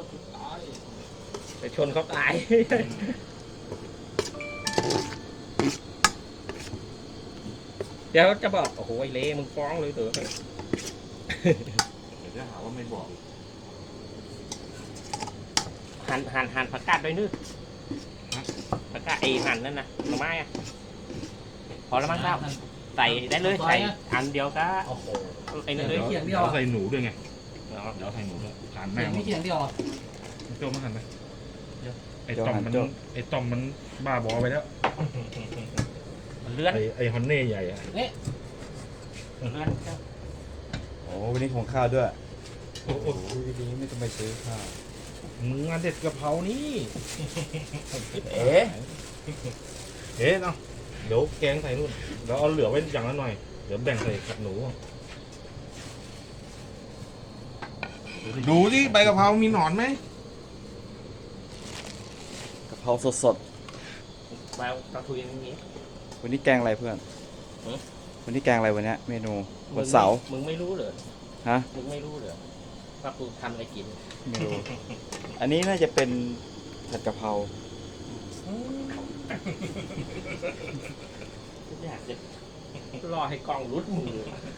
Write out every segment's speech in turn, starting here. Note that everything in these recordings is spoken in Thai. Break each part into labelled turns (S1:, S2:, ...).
S1: ไปชนเขาตาย เดี๋ยวจะบอกโอ้โหไอ้เล่มึงฟ้องเลยเถอะ
S2: เดี๋ยวจะหาว่าไม่บอก
S1: หั่นผักกาดด้วยนึกผักกาดไอ้หั่นนั่นนะหน่อไม้อะพอแล้วมั้งเจ้าใส่ได้เลยใส่อันเดียวก็
S3: โอ้โห
S1: ไอ้นั่นเลย
S3: เขียงเดียว
S2: ใส่หนูด้วยไง
S1: เนาะ
S2: เดี๋ยวใส่หนูด้วยทาน
S3: เขี
S2: แม่
S3: ยงไม่เขียงเดียวอ่ะ
S2: โจมาหันไปไอ้ต่อมมันบ้าบอไปแล้ว
S1: มันเลื่อน
S2: ไอ้ฮอนเน่ใหญ่อะ
S1: มันเลื่อนเจ้า
S4: โอ้วันนี้ของข้าวด้วย
S2: โอ้โห
S4: โอ้ยดีไม่ต้องไปซื้อข้าว
S2: มึงงานเด็ดกะเพรานี่
S4: เอ๊ะ
S2: เอ๊ะเนาะเดี๋ยวแกงใส่นู่นเดี๋ยวเอาเหลือไว้อย่างละหน่อยเดี๋ยวแบ่งใส่กับหนูดูสิใบกะเพรามีหนอนไหม
S4: กะเพราสด
S1: แววตะทุยอย่างนี้
S4: ๆวันนี้แกงอะไรเพื่อน
S1: หือ
S4: วันนี้แกงอะไรวันเนี้ยเมนูวันเสาร์
S1: มึงไม่รู้เหรอ
S4: ฮะ
S1: มึงไม่รู้เหรอว่ากูทำอะไรกิน
S4: เมนูอันนี้น่าจะเป็นผัดกะเพรา
S1: อยากจะรอให้กล้องรุดมือ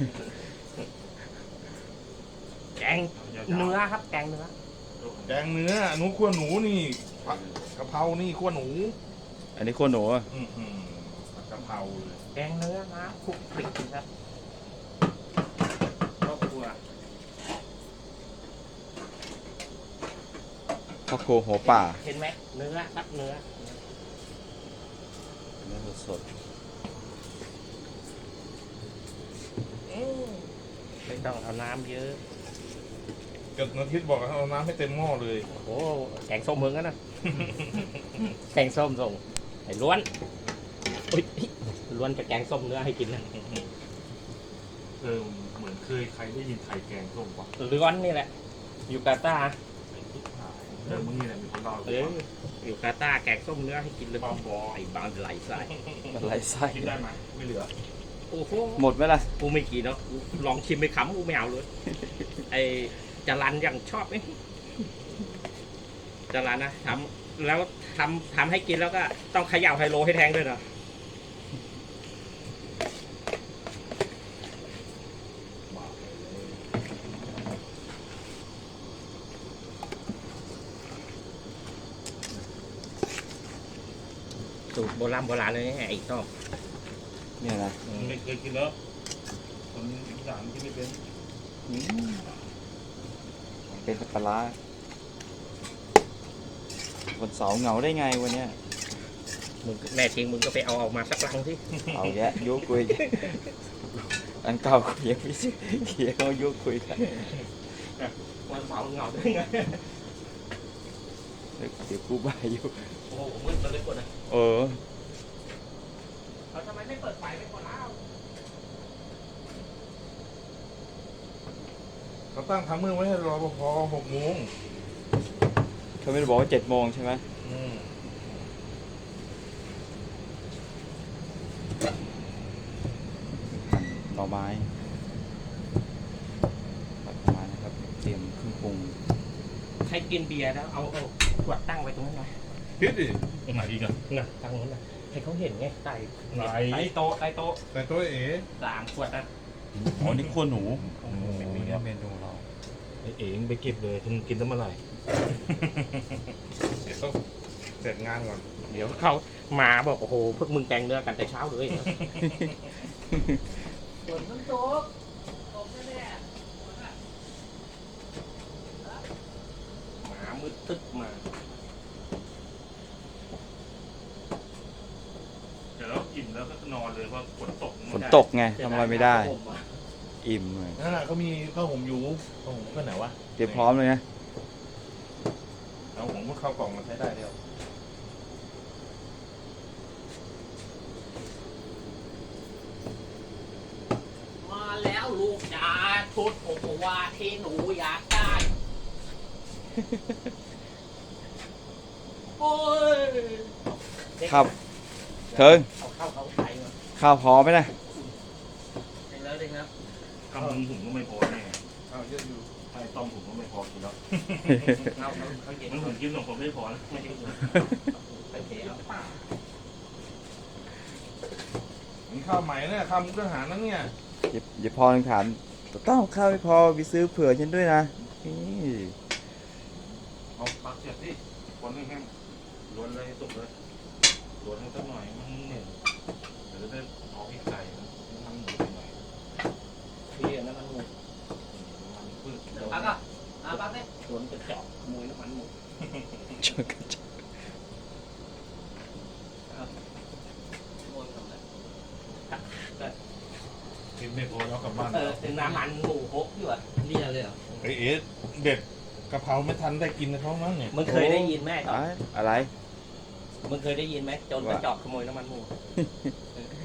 S1: แกงเนื้อครับ แกงเนื้อ
S2: แกงเนื้อหนูขั้วหนูนี่กะเพรานี่ขั้วหนู
S4: อันนี้ขั้วหนูอะ
S2: กะเพราเลย
S1: แกงเนื้อนะคลุกคลิกครับครอบครัว
S4: ข้าวโคหัวป่า
S1: เห็นไหมเนื้อครับเนื้อ
S4: เนื้อสด
S1: ไม่ต้องเอาน้ำเยอะ
S2: เกิดนาทิตย์บอกเอาน้ำให้เต็มหม้อเลย
S1: โอ้แกงส้มมึงกันนะ แกงส้มส่งไอ้ล้วนอุ๊ยล้วนจะแกงส้มเนื้อให้กินนะ
S2: เหมือนเคยใครได้ยินไข่แกงส้มปะ
S1: ล้วนนี่แหละ อยู่กาตาร์
S2: มึงนี่แหละมีคนเล่า
S1: อยู่กาตาร์แกงส้มเนื้อให้กินเลยบอยบางไหลใส่
S4: ๆอะไรไส้
S2: กินได้ไหมไม่เหลือ
S1: โอ้โห
S4: หมดไหมล่ะ
S1: กูไม่กินเนาะกูลองชิมไปขำกูไม่เอาเลย ไอจรันยังชอบไหมจรันนะทำแล้วทำให้กินแล้วก็ต้องเขย่าไฮโลให้แทงด้วยเนาะสูตรโบราณเลยไอ้ต้อม
S4: เนี่ยนะ
S2: ไม่เคยกินแล้วคนอีสานที่ไม่เป็น
S4: อืมเป็นปลาร้าวันเสาร์เหงาได้ไงวันเนี้ย
S1: มึงแน่จริงมึงก็ไปเอาออกมาสักลังที่
S4: เอาแยะยุคุยอันเก่าคุยยังไม่เขียเขายุคุยกัน
S1: วันเสาร์เหงาได้ไง
S4: เดี๋ยวกูบ้าอยู่
S1: โอ้โหมืดมาเลยกดนะ
S4: เออ
S1: เราทำไมไม่เปิดไฟไม่กดแล้ว
S2: เขาตั้งทำมือไว้ให้รอพอ6 โมง
S4: เขาไม่ได้บอกว่า7 โมงใช่ไหมหน่อไม้ตัดไม้นะครับ เตรียมเครื่องปรุง
S1: ใครกินเบียร์แล้วเอาขวดตั้งไว้ตรงนั้นหน่อย
S2: พิษดิตรงไหนอีกอะ
S1: น่ะตั้งนู้นน่ะให้เขาเห็นไงใต้
S2: ไหน
S1: ใต้โต๊ะใต้โต๊ะ
S2: แต่ตัวเอ๋
S1: 3 ขวดนะ
S4: อ๋อ นี่ขั้วหนู
S2: โอ้โห
S4: นี่เมนูเรา
S2: ไอ้เอ๋งไปเก็บเลยคุณกินตั้งเมื่อไหร่เดี๋ยวต้องเสร็จงานก่อน
S1: เดี๋ยวเขามาบอกโอ้โหพวกมึงแกงเนื้อกันแต่เช้าเลยฝนมันตกแน่หมามืดตึ๊กมา
S2: เดี๋ยวเราอิ่มแล้วก็นอนเลยเพราะฝนตก
S4: ฝนตกไงทำอะไรไม่ได้ อิ่มเลย
S2: นั่นแหละเขามีข้าวหงยูข้าวหงก็ไหนวะ
S4: เตรียมพร้อมเลยนะ
S2: เอาหงก็เข้ากล่องมาใช้ได้เดียว
S1: มาแล้วลูกจ๋าชุดโอโกวาที่หนูอยากได้ โอ้ย
S4: ครับเทิง
S1: เอาเข้าเขาใส่มา
S4: ข้าวพร้อมไหมนะ
S1: เด็กแล้วเด็กแล้ว
S2: คำมึงผมก็ไม่พอแน่ข้าวเยอะอยู่
S1: ไอ้ต้มผมก็ไม่พอกินแล้วเขาเย็นผมกินของผมไม่พอนะไม่ได้กินไปเทเอา
S2: นี่ข้าวใหม่เนี่ยข้าวมุกทหารนั่นเนี่ย
S4: อย่าพอถามต้องข้าวไม่พอไปซื้อเผื่อฉันด้วยนะนี่
S2: เอาปักเสียบดิคนแห้งๆล้วนเลยให้สุกเลยล้วนให้สักหน่อยมันเหนื่อยเดี๋ยวจะได้เอาพริกใส่น้ำมันหมูหน่อย
S1: พี่อันนั้นมันหมู
S2: มันพืช
S1: ปักอ่ะปักเนี่ยสวนกระจอกมวยน้ำมันหมู
S4: ชนกันจัง
S2: กินไม่พอแล้วกลับบ้าน
S1: ถึงน้ำมันหมูฮกอยู่อ่ะเรียเลยเหรอ
S2: เอ๊ะเด็ดกะเพราไม่ทันได้กินนะเขามั้งเนี่ย
S1: มึงเคยได้ยินไหม
S4: อะไร
S1: มึงเคยได้ยินไหมโจรกระจอกขโมยน้ำมันหมู